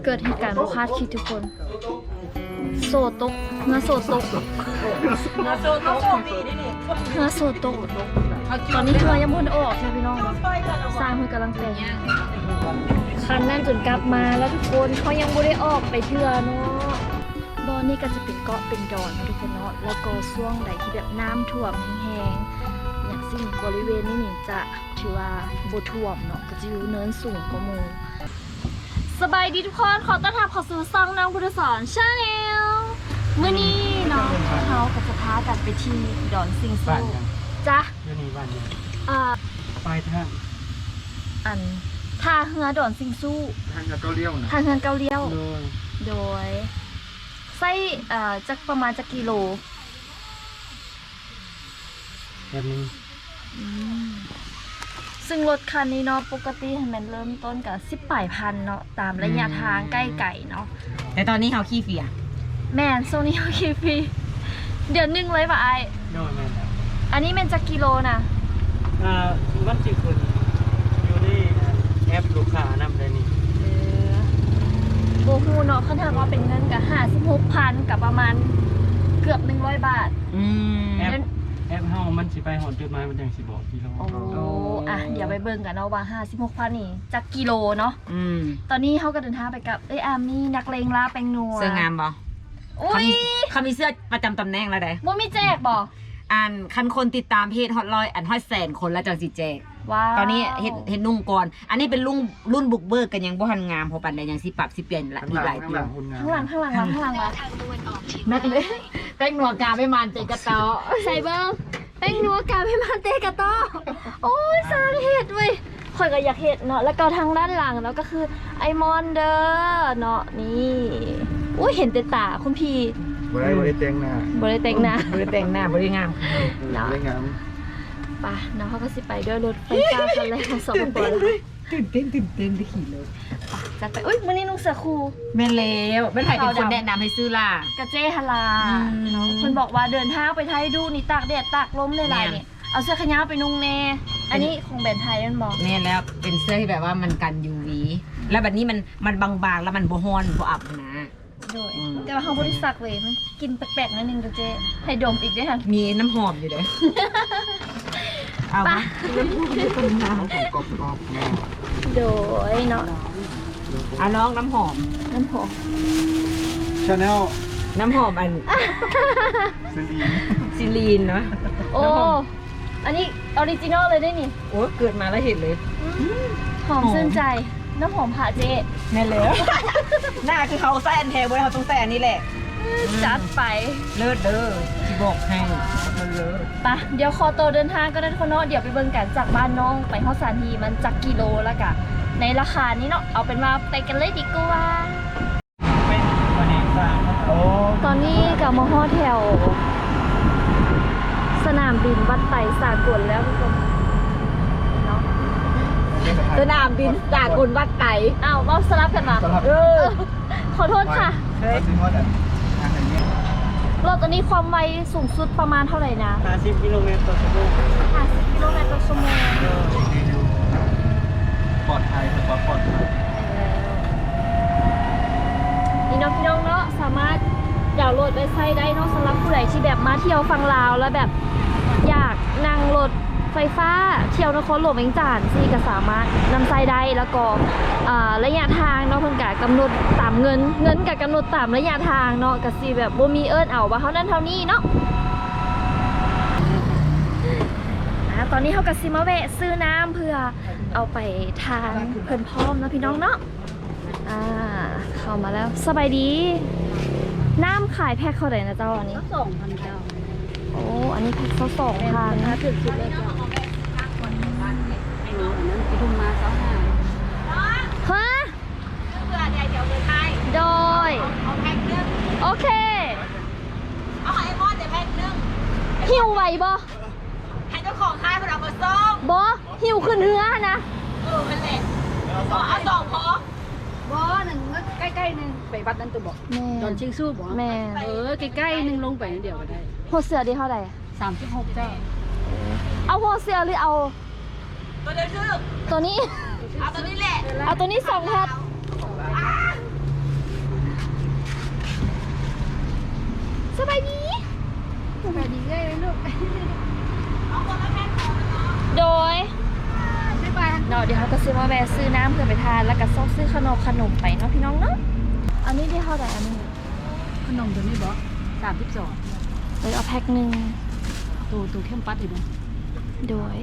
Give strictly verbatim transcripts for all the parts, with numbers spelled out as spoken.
เกิดเหตุการณ์บ่คาดคิดทุกคนโซตกเงาโซตกมาโซนโซนดีนี่เงาโซตกตอนนี้เรือยังบ่ทันออกใช่พี่น้องสร้างเพิ่นกำลังแต่งคันนั้นจนกลับมาแล้วทุกคนเขายังบ่ได้ออกไปเทื่อเนาะบอนนี่ก็จะเป็นเกาะเป็นดอนนะทุกคนเนาะแล้วก็ช่วงใดที่แบบน้ำท่วมแห้งๆอย่างสิ่งบริเวณนี้นี่จะถือว่าบ่ท่วมเนาะก็จะอยู่เนินสูงกว่าหมู่สบายดีทุกคนขอต้อนรับเข้าสู่ช่องน้องพุทธสอนชาแนลมื้อนี้เนาะเขากับจะพากันไปที่ดอนซิงซูจ้ะเรื่องนี้บ้านเนี่ยอ่าปลายทางอันท่าเรือดอนซิงซูทางกับเกาเลี้ยวนะทางเฮือนเกาเลี้ยวโดยโดยไส้เอ่อจักประมาณจักกิโลแบบนี้อืมซึ่งรถคันนี้เนาะปกติมันเริ่มต้นกับสิบปลายพันเนาะตามระยะทางใกล้ไก่เนาะแต่ตอนนี้เขาขี้เฟียแม่นโซนี่โอเคพี่เดือนหนึ่งเลยป่ะไอโดยแม่นครับอันนี้เป็นจักกิโลนะอ่ามันจิคุณอยู่ในแอปลูกค้านำได้นี่เออโบฮูเนาะเขาถามว่าเป็นเงินกับห้าสิบหกพันกับประมาณเกือบหนึ่งร้อยบาทอืมแอปแอปเฮามันสิไปหอดจุดหมายมันจังสิบอกกิโลโอ้อ่ะเดี๋ยวไปเบิ่งกันเนาะว่าห้าสิบหกพันนี่จักกิโลเนาะอืมตอนนี้เขาก็เดินทางไปกับเอ้ยอามี่นักเลงลาแปงนัวเสื้องามบ่อุ้เขายมีเขามีเสื้อประจำตำแหน่งแล้วเด้บ่มีแจกบ่อันคันคนติดตามเพจฮอตร้อยอันฮอตแสนคนแล้วจังสิแจกว้าวตอนนี้เฮ็ดเฮ็ดนุ่งก่อน อันนี้เป็นรุ่นรุ่นบุกเบิกกันยังบ่ทันงามพอปานใดยังสิปรับสิเปลี่ยนละอีกหลายข้างตัวหลังคุณงามข้างหลังข้างหลังข้างหลังวะแม่เลยแป้งหนวดกาไม่มันเจกระเตาใส่เบิ้งแป้งนัวกาไม่มาเตะกะต้อโอ้ยสร้างเห็ดเว้ยข่อยก็อยากเห็ดเนาะแล้วก็ทางด้านหลังเนาะก็คือไอมอนเดอร์เนาะนี่อุ้ยเห็นแต่ตาคุณพี่บ่ได้บ่ได้แต่งหน้าบริเต็งนะบ่ได้แต่งหน้าบ่ได้งามเนาะบ่ได้งามป่ะเนาะเขาก็สิไปด้วยรถไฟฟ้าคันแรกของสปปลาวตื่นเต้นตื่นเต้นได้ขี่เลยจัดไปอุ้ยวันนี้นุ่งเสื้อครูแม่นแล้วแม่นไผเป็นคนแนะนำให้ซื้อล่ะกระเจฮาลาอืมเนาะคนบอกว่าเดินทางไปไทยดูนี่ตากแดดตากลมเลยหลายแม่นนี่เอาเสื้อขยาวไปนุ่งแน่อันนี้ของแบรนด์ไทยนั่นบอกแม่นแล้วเป็นเสื้อที่แบบว่ามันกัน ยู วี แล้วแบบนี้มันมันบางๆแล้วมันบ่ฮ้อนบ่อับนะโดยอืมแต่ว่าเขาบริสักเว้ยมันกินแปลกๆนิดนึงกระเจให้ดมอีกด้วยค่ะมีน้ำหอมอยู่เด้อ เอาไปปะของกรอบๆแม่โดยเนาะเอาน้องน้ำหอมน้ำหอมชาแนลน้ำหอมอันซีรีซิลีนเนาะโอ้อันนี้ออริจินอลเลยได้นี่โอ้เกิดมาแล้วเห็นเลยหอมหอมชื่นใจน้ำหอมผ่าเจแม่นแล้ว หน้าคือเขาใส่อันแทนไว้เขาต้องใส่อันนี้แหละจัดไปเลิศเด้อที่บอกให้มันเลิศปะเดี๋ยวคอโตวเดินทางก็ได้คนเนาะเดี๋ยวไปเบิ่งกันจากบ้านน้องไปฮอดสถานทีมันจักกิโลแล้วกะในราคานี้เนาะเอาเป็นว่าไปกันเลยดีกว่าเป็นวันนี้สร้างโอ้ตอนนี้กับมาฮอดแถว สนามบินวัดไต่สากลแล้วทุกคนเนาะสนามบินจากกลวัดไก่อ้าวเราสลับกันมาเออขอโทษค่ะเฮ้ยจริงว่าแต่ทางไหนเนี่ยรถตัวนี้ความไวสูงสุดประมาณเท่าไหร่นะห้าสิบกิโลเมตรต่อชั่วโมงห้าสิบกิโลเมตรต่อชั่วโมงปลอดภัยถือว่าปลอดภัยนี่เน้องพี่น้องเนาะสามารถดาวน์โหลดเว็บไซต์ได้เนาะสำหรับผู้ใดที่แบบมาเที่ยวฝั่งลาวแล้วแบบอยากนั่งรถไฟฟ้าเที่ยวนครหลวงเวียงจันทน์ซี่ก็สามารถนำไซต์ได้แล้วก็อ่าระยะทางเนาะเพิ่นก็กำหนดตามเงินเงินก็กำหนดตามระยะทางเนาะก็สิแบบบ่มีเอิ้นเอาว่าเท่านั้นเท่านี้เนาะอ่าตอนนี้เฮาก็สิมาแวะซื้อน้ำเพื่อเอาไปทานเพิ่นพร้อมเนาะพี่น้องเนาะอ่าเข้ามาแล้วสบายดี น้ำขายแพ็คเท่าไหร่นะเจ้าอันนี้สองพันเก้าโอ้อันนี้แพ็คเขาสองพันถ้าถึงสุดเลยก็หนูอันนั้นไปทุ่มมาเก้าห้าฮะเพื่อเดี๋ยวเดินไทยโดยเอาแพ็คนึงโอเคเอาไอมอนเดี๋ยวแพ็คนึงหิวไหวบ่ให้เจ้าของค่ายคนเอามาส่งบ่หิวขึ้นเรือนะเออมันแหละเอาสองพอบ่หนึ่งใกล้ๆหนึ่งไปวัดนั้นตัวบอกแม่ดอนชิงสู้บอกแม่เออใกล้ๆหนึ่งลงไปนิดเดียวก็ได้หัวเสือดีเท่าไหร่สามสิบหกเจ้าเอาหัวเสือหรือเอาตัวเดียวชื่อตัวนี้เอาตัวนี้แหละเอาตัวนี้สองแพ็ควะซื้อน้ำเพื่อไปทานแล้วก็ซอกซื้อขนมขนมไปเนาะพี่น้องเนาะอันนี้ได้เท่าไหร่อันนี้ขนมตัวนี้บ่สามสิบสองเลยเอาแพ็คหนึ่งตัวตัวเข้มปัดอีกบ่โดย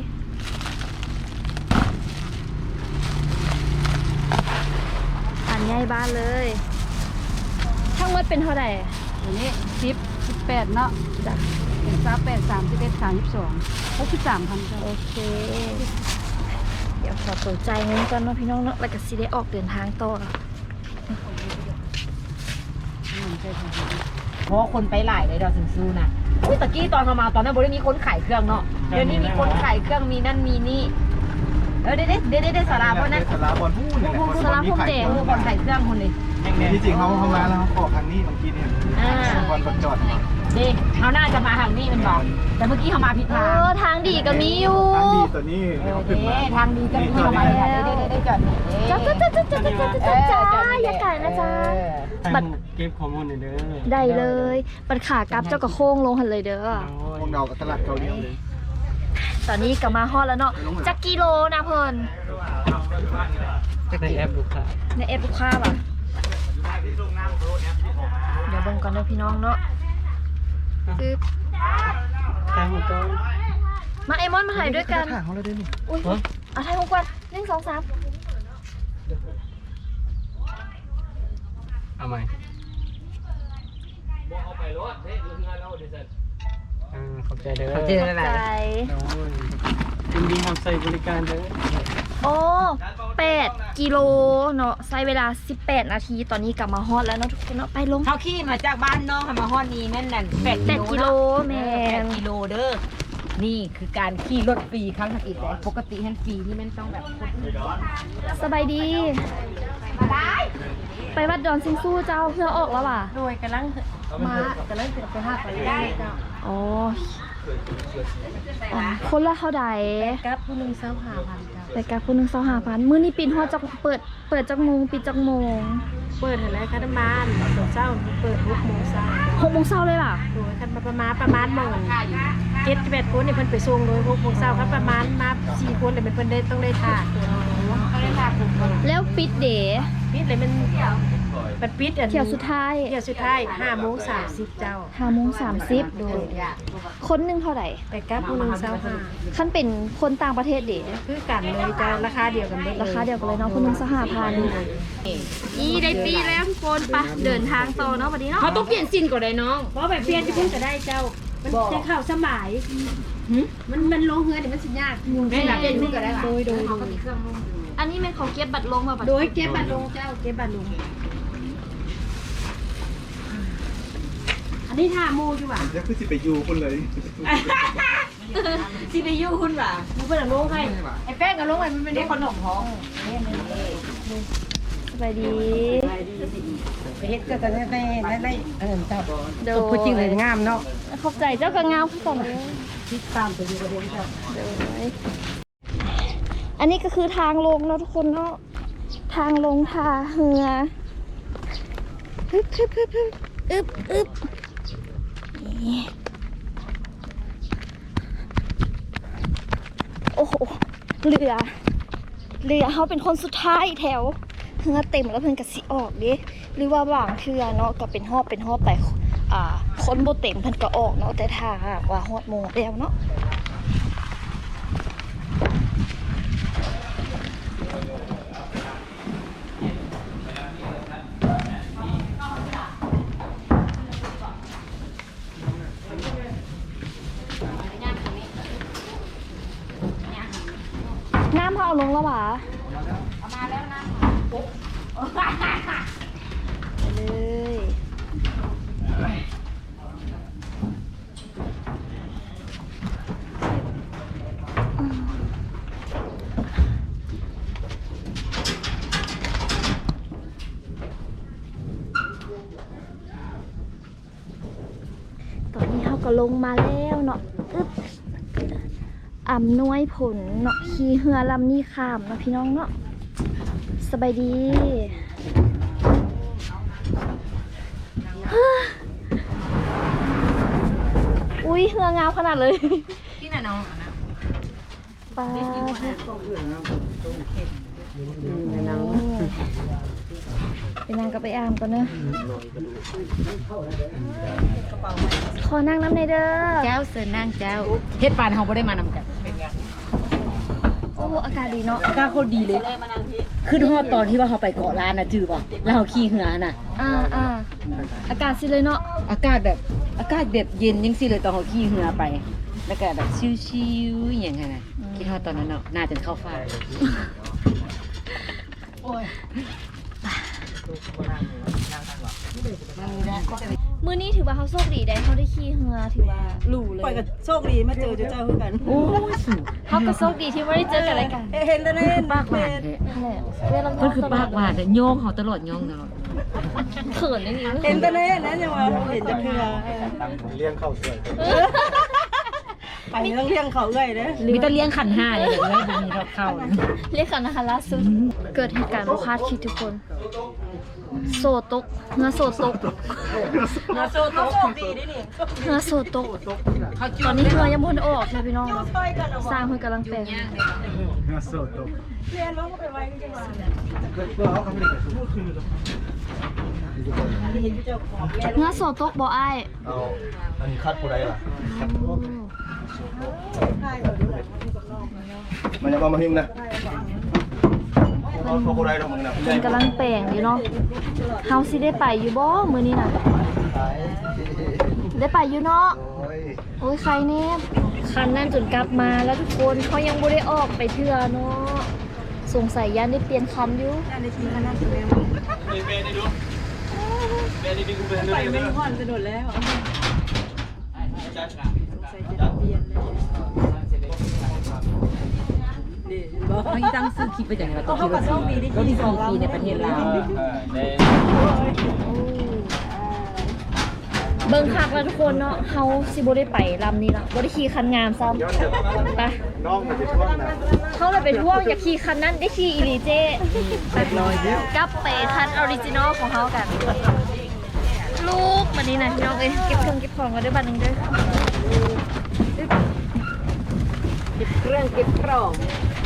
อันใหญ่บ้านเลยทั้งหมดเป็นเท่าไหร่ตัวนี้สิบสิบแปดเนาะจ้ะเป็นสามแปดสามสิบเอ็ดสามสิบสองหกสิบสามพันเจ้าโอเค เดี๋ยวขอตัวใจายเงินก่อนเนาะพี่น้องเนาะแล้วก็สิได้ออกเดินทางต่อเพราะว่าคนไปหลายเลยดอกถึงสู้นะอุ้ยตะกี้ตอนเรามาตอนนั้นบริมีคนขายเครื่องเนาะเดี๋ยวนี้มีคนขายเครื่องมีนั่นมีนี่เออเด็ดเด็ดเด็ดเด็ดสาราเพราะนั้นสาราบอลพูดนี่แหละสาราพรมแดงเออคนขายเครื่องคนเลยที่จริงเขาเข้ามาแล้วเขาออกทางนี้เมื่อกี้เนี่ยอ่าบอลบอลจอดมาเด็เขาน่าจะมาทางนี้เป็นบอกแต่เมื่อกี้เขามาผิดเอทางอทางดีก็มีอยู่ทางดีตัวนี้เออเขาเด้ขึ้นมาทางดีก็มีเขามาทางนี้ได้ได้ได้จอดนี่จ้าจ้าจ้าจ้าจ้าจ้าจ้าจ้าจ้าอย่าไก่นะจ๊ะให้ผมเก็บข้อมูลหน่อยเด้อได้เลยปัดขากลับเจ้าก็โค้งลงหันเลยเด้อพวกเรากับตลาดเกาหลีเลยตอนนี้ก็มาฮอดแล้วเนาะจักกิโลนะเพิ่นในแอปลูกค้าในเอฟลูกค้าป่ะเดี๋ยวเบิ่งก่อนเด้อพี่น้องเนาะคือทางของต้นมาไอมอนมาถ่ายด้วยกันถ่ายของเราด้วยนี่อุ้ยเอาถ่ายของกวนหนึ่งสองสามเอาไหมอ่าขอบใจเด้อเขาเจออะไรใจโอ้ยยินดีทำใส่บริการเด้อโอ้แปดกิโลเนาะใช้เวลาสิบแปดนาทีตอนนี้กลับมาฮอดแล้วเนาะทุกคนเนาะไปลงเขาขี่มาจากบ้านน้องให้มาฮอดนี้นั่นน่ะแปดแปดกิโลแม่แปดกิโลเด้อนี่คือการขี่รถฟรีครั้งที่แต่ปกติฮันฟรีนี่มันต้องแบบสบายดี ไปวัดดอนซิงซูเจ้าเพื่อออกแล้วว่ะโดยกำลังมากำลังจะไปหาไปได้เจ้าอ๋ออ๋อคนละเท่าใดกับผู้หนึงเศร้าหาพันเจ้ารายการคนหนึ่งสองห้าพันมื้อนี้ปิดฮอดจักเปิดเปิดจักโมงปิดจักโมงเปิดอะไรคันมานตอนเช้าเปิดหกโมงเช้าหกโมงเช้าเลยล่ะโดยคันมาประมาณประมาณหมื่นเจ็ดแปดคนเนี่ยเพิ่นไปส่งโดยหกโมงเช้าครับประมาณมาสี่คนเลยมันเพิ่นได้ต้องได้ทานต้องได้ทานผมก่อนแล้วปิดเด๋ปิดเลยมันมันปิดอันเที่ยวสุดท้ายเที่ยวสุดท้ายห้าโมงสามสิบเจ้าห้าโมงสามสิบโดยคนหนึ่งเท่าไหร่ไปกับผู้หนึงเช้าห้าขั้นเป็นคนต่างประเทศเด๋คือกันเลยจะราคาเดียวกันเลยราคาเดียวกันเลยเนาะคนหนึ่งสองห้าพันอีได้ปีแล้วทุกคนไปเดินทางต่อเนาะวันนี้เนาะเขาต้องเปลี่ยนสินก่อนเลยน้องเพราะแบบเปลี่ยนที่เพิ่งจะได้เจ้า มันจะเข้าสมัยมันมันลงเฮือนเนี่ยมันสิยากยุงไม่แบบเปลี่ยนสินก่อนได้หรอโดยโดยเขาก็มีเครื่องนุ่งอันนี้เป็นของเก็บบัตรลงมาบัตรโดยเก็บบัตรลงเจ้าเก็บบัตรลงอันนี้ท่าโมอยู่ว่ะเดี๋ยวคือสิไปยูคนเลยซีพียูคุณป่ะมันเป็นลงให้ไอ้แป้งกับลงให้มันเป็นได้เด็กขนมท้องสบายดีไปเฮ็ดก็จะได้ได้ได้เออเจ้าโดยพูดจริงเลยงามเนาะขอบใจเจ้ากระงามผู้ส่งติดตามไปอยู่กับเด็กเจ้าโดยอันนี้ก็คือทางลงเนาะทุกคนเนาะทางลงทาเหือฮึบฮึบฮึบฮึบอึบอึบนี่โอ้โหเรือเรือเขาเป็นคนสุดท้ายแถวเหือเต็มแล้วเพิ่นกะสิออกดิหรือว่าบางเทือเนาะก็เป็นหอบเป็นหอบไปอ่าคนบ่เต็มเพิ่นก็ออกเนาะแต่ถ้าหากว่าฮอดโมงแล้วเนาะ น้ำเขาเอาลงแล้วหวะมาแล้วนะไปเลยตอนนี้เขาก็ลงมาแล้วเนาะอึ๊บอำนวยผลเนาะขี่เรือลำนี้ข้ามเนาะพี่น้องเนาะสบายดี อุ้ยเรืองามขนาดเลยที่ไหนน้องปลาในหนังไปนั่งกับไปอามก่อนเนอะขอนั่งน้ำในเด้อเจ้าเสิร์นางเจ้าเฮ็ดปานเฮาบ่ได้มานำกันโอ้อากาศดีเนาะอากาศโคตรดีเลยขึ้นฮอดตอนที่ว่าเขาไปเกาะล้านน่ะจื้อป่ะแล้วเขาขี่เหือน่ะอ่าอ่าอากาศสิเลยเนาะอากาศแบบอากาศแบบเย็นจังซี่เลยตอนเขาขี่เหือไป แล้วก็แบบชิวๆอหย่างนั้นน่ะคิดฮอดตอนนั้นเนาะน่าจะเข้าฟ้ามื้อนี้ถือว่าเขาโชคดีได้เขาได้ขี่เรือถือว่าหรูเลยปล่อยกับโชคดีมาเจอเจ้าคือกันโอ้ยสูงเขาก็โชคดีที่ไม่ได้เจอกันอะไรกันเห็นแล้วนะปากหวานแท้นั่นแหละเวลาเพิ่นคือปากหวานแต่โยงเขาตลอดโยงตลอดเขินอย่างนี้เห็นแต่เน่นะยังว่าเห็นจะเพื่อเลี้ยงเข้าสวยไปต้องเลี้ยงเขาเอ้ยเด้อมีแต่เลี้ยงขันห้าเลยเดี๋ยวเลยมีรถเข้าเรียกกันนะคะล่าสุดเกิดเหตุการณ์บ่คาดคิดทุกคน โซตกเงาโซตกมาโซโตโชคดีดินี่เงาโซตกตอนนี้เรือยังบ่ทันออกใช่พี่น้องสร้างเพิ่นกำลังแปลงน่าสดตกเรียนว่าไปไว้จังหวะเพื่อเขาเขาไม่ได้ไปสู้เห็นเจ้าของแม่เงาโซตกบ่อ้ายเอาอันนี้คัดผู้ใดล่ะคัดมันยังมาหิมนะเขาผู้ใดดอกมึงนะเพิ่นกำลังแปลงอยู่เนาะเฮาสิได้ไปอยู่บ่มื้อนี้น่ะได้ไปอยู่เนาะโอ้ยโอ้ยใครเนี่ยคันนั่นจนกลับมาแล้วทุกคนเขายังบ่ได้ออกไปเทื่อเนาะสงสัยยันได้เปลี่ยนคันอยู่ในทีมคณะแสดงไปไม่ห่อนจะโดดแล้วใส่จะเปลี่ยนเลยนี่บ่เขาตั้งซื้อคลิปไปจากไหนวะตัวคลิปว่าสี่รถที่สี่ปีในประเทศลาวเบิ่งคักแล้วทุกคนเนาะเฮาสิบ่ได้ไปลำนี้ละบ่ได้ขี่คันงามซ้ำไปน้องมันจะช่วงนะเฮาเลยไปท่วงอยากขี่คันนั้นได้ขี่อีหลีเจ้กลับไปคันออริจินอลของเฮากัน ลูกบัดนี้นะพี่น้องเอ้ยเก็บเครื่องเก็บของกันด้วยบัดนึงเด้อเก็บเครื่องเก็บกล่อง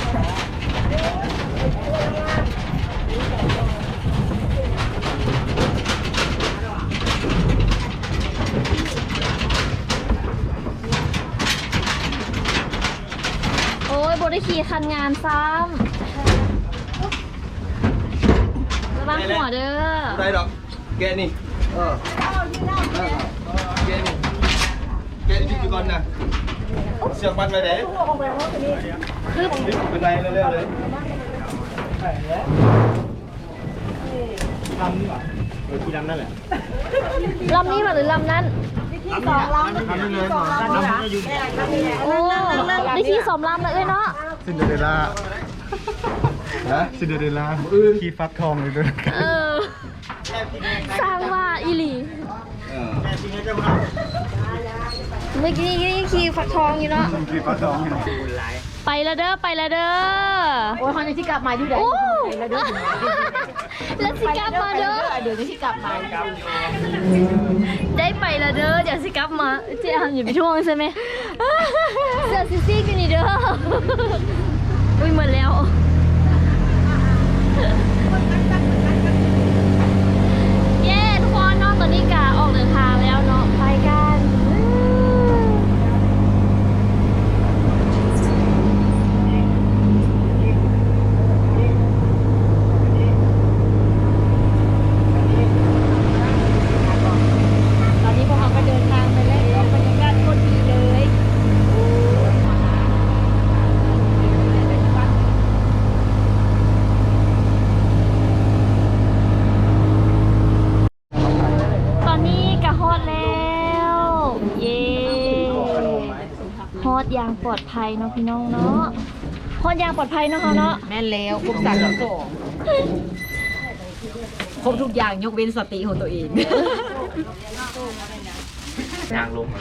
โอ้ยบ่ได้ขี่คันงามซ้ำระวังหัวเด้อผู้ใดดอกแกนี่เออแกนี่แกนี่พี่ก่อนนะเสือกมันไปไหนคือเป็นไรเร็วๆเลยลำนี่หว่าเออที่ลำนั่นแหละลำนี้ป่ะหรือลำนั้นลำนี่เลยลำนี่อยู่โอ้ได้ขี่สองลำเลยเอ้ยเนาะซินเดอเรลล่าฮะซินเดอเรลล่าขี่ฟักทองเลยด้วยเออ สร้างว่าอีหลี เมื่อกี้นี่ขี่ฝักทองอยู่เนาะขี่ฟักทองอยู่ไปละเด้อไปละเด้อโอ้ยเขาจะที่กลับมาอยู่ไหนโอ้แล้วเด้อแล้วสิกลับมาเด้อเดี๋ยวจะที่กลับมาได้ไปละเด้อเดี๋ยวสิกลับมาเจ๊อันอย่าไปท่วงใช่ไหมเสื้อซิซี่กันนี่เด้ออุ้ยหมดแล้วเย้ทุกคนเนาะตอนนี้กาออกเดินทางแล้วเนาะไปกันตอนนี้พวกเราก็เดินทางไปแล้วบรรยากาศโคตรดีเลยตอนนี้กะฮอดแล้วเย้ฮอดอย่างปลอดภัยเนาะพี่น้องเนาะฮอดอย่างปลอดภัยเนาะเขาเนาะแม่นแล้วครบสามสองครบทุกอย่างยกเว้นสติของตัวเองยางลง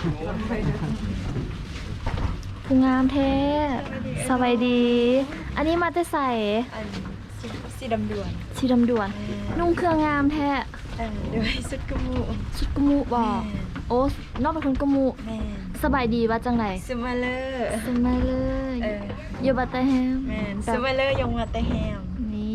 ผู้งามแท้สบายดี อันนี้มาแต่ใส่สีดำด่วนสีดำด่วน นุ่งเครื่องงามแท้เออด้วยสุดกมูชุดกะมูบอกโอ้นอกเป็นคนกะมูแม่สบายดีว่าจังไหนสมาเลอร์สมัยเลยเอออยู่บัตเตอร์แฮมแม่สมาเลอร์ยงมาแต่แฮมนี่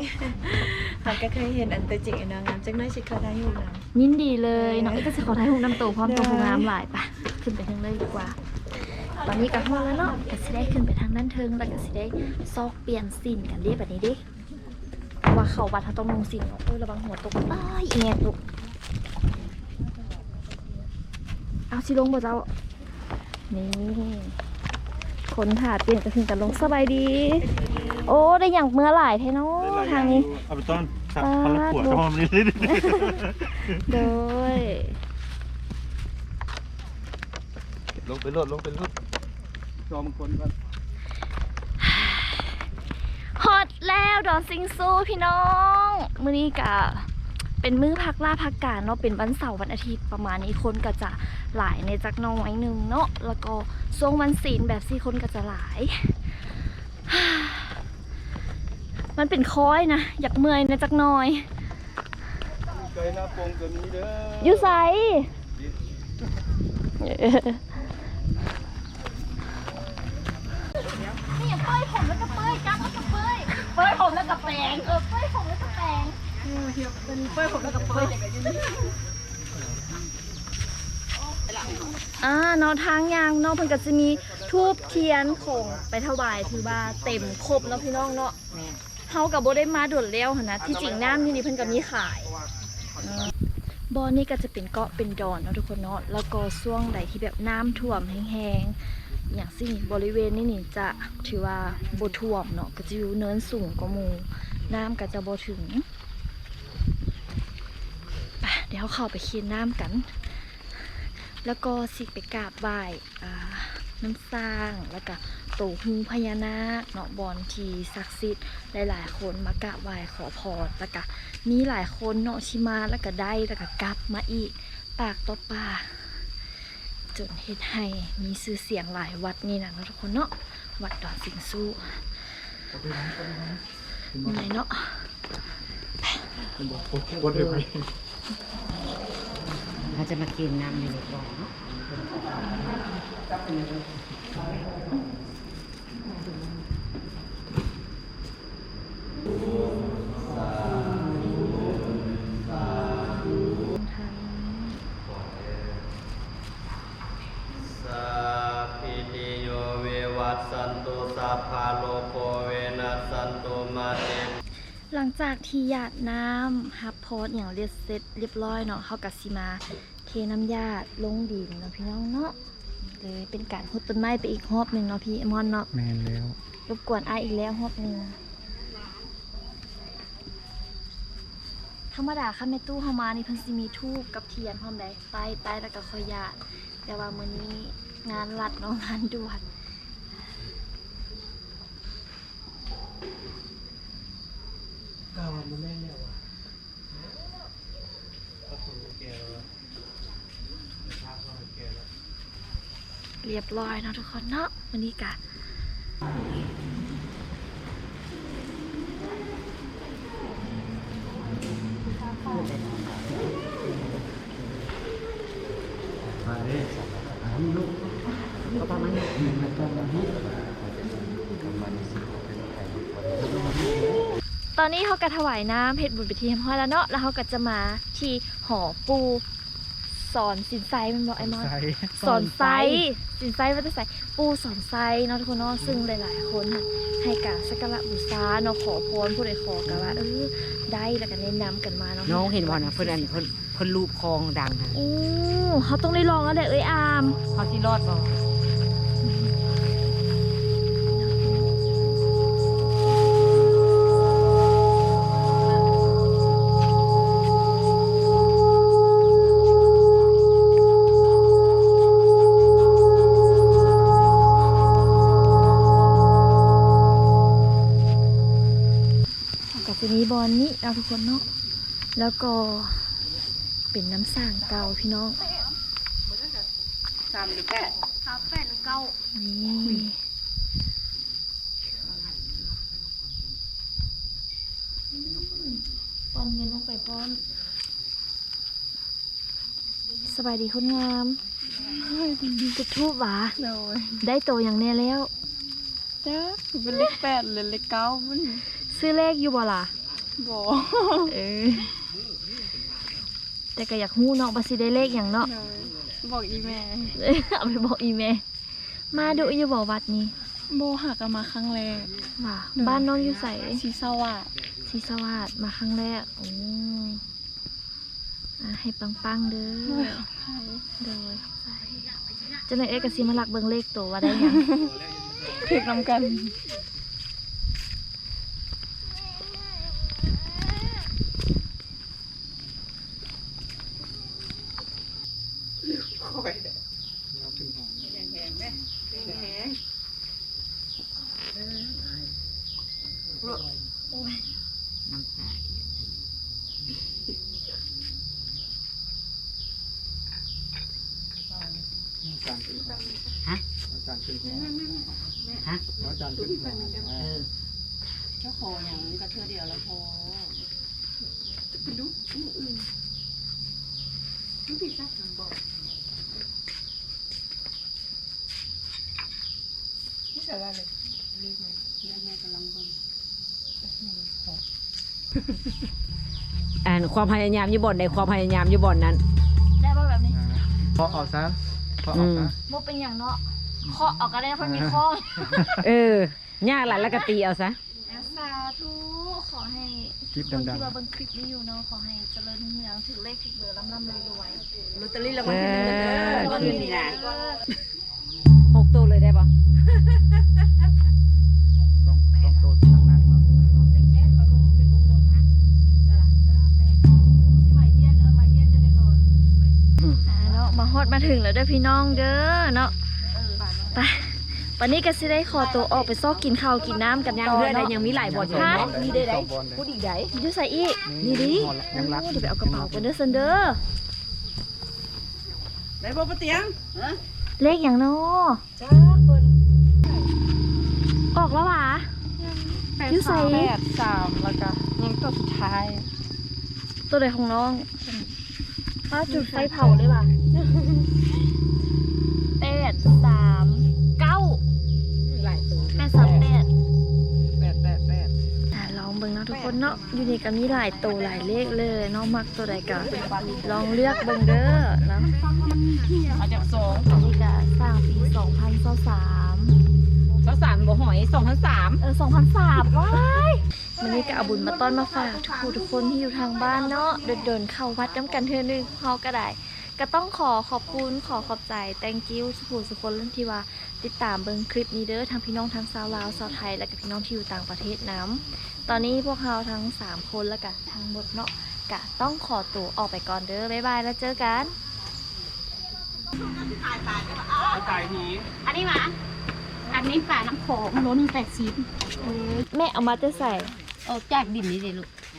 เราก็เคยเห็นอันตัวจริงอันนางงามจังน้อยสิเขาได้อยู่นะยินดีเลยน้องเอ้ยก็จะขอถ่ายรูปน้ำโตพร้อมตัวผู้งามหลายปะขึ้นไปทางเลยดีกว่า ตอนนี้ก็ฮอดแล้วเนาะก็สิได้ขึ้นไปทางด้านเทิงแล้วก็สิได้ซอกเปลี่ยนสินกันเรียบแบบนี้ดิว่าเขาวัดเขาต้องลงสินเนาะโอ้ยระวังหัวตกอ้ายแงตกเอาสิลงบ่เจ้านี่คนถ่าเปลี่ยนก็ถึงกันลงสบายดี โอ้ได้อย่างเมื่อหลายแท้เนาะทางนี้เอาไปต้อนสับพลังขวดก็พอมันนี่โดยลงไปรถลงไปรถรอมันคนก่อนฮอตแล้วดอนซิงซูพี่น้องมื้อนี้กะเป็นมื้อพักล่าพักการเนาะเป็นวันเสาร์วันอาทิตย์ประมาณนี้คนก็จะหลายในจักหน้อยหนึงเนาะแล้วก็ช่วงวันศีลแบบสี่คนก็จะหลาย มันเป็นค้อยนะอยากเมื่อยในจักหน้อยไกลหน้าโปงตัวนี้เด้อออยู่ไส นี่อย่าเป้ยผมแล้วก็เป้ยจับแล้วก็เป้ยเป้ยผมแล้วก็แปลงเออเป้ยผมแล้วก็แปลงอ่าเนาะทางยางเนาะเพิ่นก็จะมีทูบเทียนของไปถวายถือว่าเต็มครบเนาะพี่น้องเนาะเฮากับบ่ได้มาด่วนแล้วหั่นนะที่จริงน้ำอยู่นี่เพิ่นก็มีขายบ่อนี่ก็จะเป็นเกาะเป็นดอนเนาะทุกคนเนาะแล้วก็ช่วงใดที่แบบน้ำท่วมแห้งๆอย่างสิ่งบริเวณนี้นี่จะถือว่าบ่ท่วมเนาะก็จะอยู่เนินสูงกว่าหมู่น้ำก็จะบ่ถึงไปเดี๋ยวเข้าไปเคียนน้ำกัน แล้วก็สิไปกราบไหว้อ่าน้ำสร้างแล้วก็โตหูพญานาคเนาะบอนทีศักดิ์สิทธิ์หลายๆคนมากราบไหว้ขอพรแล้วก็มีหลายคนเนาะชิมาแล้วก็ได้แล้วก็กลับมาอีกปากต่อปากจนเฮ็ดให้มีชื่อเสียงหลายวัดนี่นะเนาะทุกคนเนาะวัดดอนสิงสู้ยังไงเนาะเราจะมากินน้ำในรถบ่อเนาะสัพพิติโยวิวัตสันตุสัพพะโลกโควินัสสันตุมาเตหลังจากที่หยาดน้ำฮับพอดอย่างเรียบเสร็จเรียบร้อยเนาะเขากับซีมาเทน้ำหยาดลงดินเนาะพี่น้องเนาะเลยเป็นการหุดต้นไม้ไปอีกรอบหนึ่งเนาะพี่เอมอนเนาะแมนแล้วรบกวนอ้ายอีกแล้วรอบหนึ่งธรรมดาค่ะแม่ตู้เฮามานี่เพิ่นสิมีทูบกับเทียนพร้อมได้ใต้ใต้แล้วก็ค่อยหยาดแต่ว่ามื้อนี้งานรัดเนาะงานด่วนก้าวมันแม่แล้วอ่ะก็คงแก่แล้วภาพเราแก่แล้วเรียบร้อยเนาะทุกคนเนาะวันนี้กะตอนนี้เขาก็ถวายน้ำเพชรบุญไปที่ห้อยแล้วเนาะแล้วเขาก็จะมาที่หอปูสอนสินไซมันบอกไอ้มอนสอนไซสินไซว่าจะใส่ปูสอนไซเนาะทุกคนเนาะซึ่งหลายๆคนน่ะให้กับสักการะบูชาเนาะขอพรผู้ใดขอกันว่าเออได้แล้วก็แนะนำกันมาเนาะน้องเห็นบ่นะเพิ่นอันเพิ่นเพิ่นรูปคลองดังค่ะโอ้เขาต้องได้ลองแล้วแหละเอ้ยอามเขาที่รอดบ่กับจะมีบอลนี้เอาทุกคนเนาะแล้วก็เป็นน้ำสร้างเก่าพี่น้องสามหรือแปดครับแปดหรือเก้านี่ปอนเงินลงไปพร้อมสบายดีคนงามจุดทูบหวาโดยได้โตอย่างแน่แล้วจ้าเป็นเลขแปดเลยเลขเก้ามันซื้อเลขอยู่บ่ล่ะบ่ เออแต่ก็อยากฮู้เนาะว่าสิได้เลขหยังเนาะบอกอีแม่เอาไปบอกอีแม่มาดูอยู่บ่วัดนี้โบหักกันมาครั้งแรกว่าบ้านน้องอยู่ไสสีสวัสดศรีสวัสดิ์มาครั้งแรกโอ้อ่ะให้ปังๆเด้อโดยจะในเอกสิมาลักเบิ่งเลขตัวว่าได้หยังถึกนำกันน้ำตา ฮะอาจารย์ขึ้นหัวฮะอาจารย์ขึ้นหัวเออเจ้าขออย่างกระเทือเดียวแล้วพออ่านความพยายามอยู่บ่อนในความพยายามอยู่บ่อนนั้นได้บ่แบบนี้พอออกซะพอออกซะบ่เป็นอย่างเนาะเคาะออกก็ได้เพราะมีข้อเออยากหลายแล้วก็ตีเอาซะสาธุขอให้คลิปคนดังที่ว่าเบิ่งคลิปนี้อยู่เนาะขอให้เจริญรุ่งเรืองถึงเลขถึงเบอร์ร่ำๆรวยลอตเตอรี่รางวัลที่หนึ่งเด้อคืนนี้นะหกตัวเลยได้ปะๆต้องต้องโตทั้งนั้นเนาะอ่าเนาะมาฮอดมาถึงแล้วเด้อพี่น้องเด้อเนาะไปวันนี้ก็สิได้ขอตัวออกไปซอกกินข้าวกินน้ำกันยังต่อเพื่อนได้เนาะยังมีหลายบ่อนอยู่ฮะเนาะมีได้ได้สองบอลเลยพูดอีกได้อยู่ใส่อีกนี่ดิยังรักเดี๋ยวไปเอากระเป๋ากันเด้อซันเด้อได้บ่ปะเตียงเลขอย่างเนาะจ้าเพิ่นออกแล้วหวะ อยู่ใส่แปดสามแล้วก็ยังตัวสุดท้ายตัวใดของน้องป้าจุดไฟเผาเลยว่ะแปดสามเก้าหลายตัวแปดสามแปดแปดแปดแปดอ่ะลองเบิ่งเนาะทุกคนเนาะอยู่นี่ก็มีหลายตัวหลายเลขเลยเนาะมักตัวใดก็ลองเลือกเบิ่งเด้อเนาะเอาจากสองอันนี้ก็สร้างปีสองพันสามเจ้าสารบ่หอยสองพันสามเออสองพันสามว้ายวันนี้ก็เอาบุญมาต้อนมาฝากทุกผู้ทุกคนที่อยู่ทางบ้านเนาะเดินๆเข้าวัดน้ำกันเทื่อนึงเฮาก็ได้ ก็ต้องขอขอบคุณขอขอบใจ thank you สุขุสุคนที่ว่าติดตามเบิ่งคลิปนี้เด้อทั้งพี่น้องทั้งชาวลาวชาวไทยและก็พี่น้องที่อยู่ต่างประเทศน้ำตอนนี้พวกเราทั้งสามคนแล้วก็ทั้งหมดเนาะก็ต้องขอตัวออกไปก่อนเด้อบ๊ายบายแล้วเจอกันไก่หีอันนี้มาอันนี้ฝาน้ำโขงล้นแปดสิบแม่เอามาจะใส่โอ้จากดินนี่สิลูก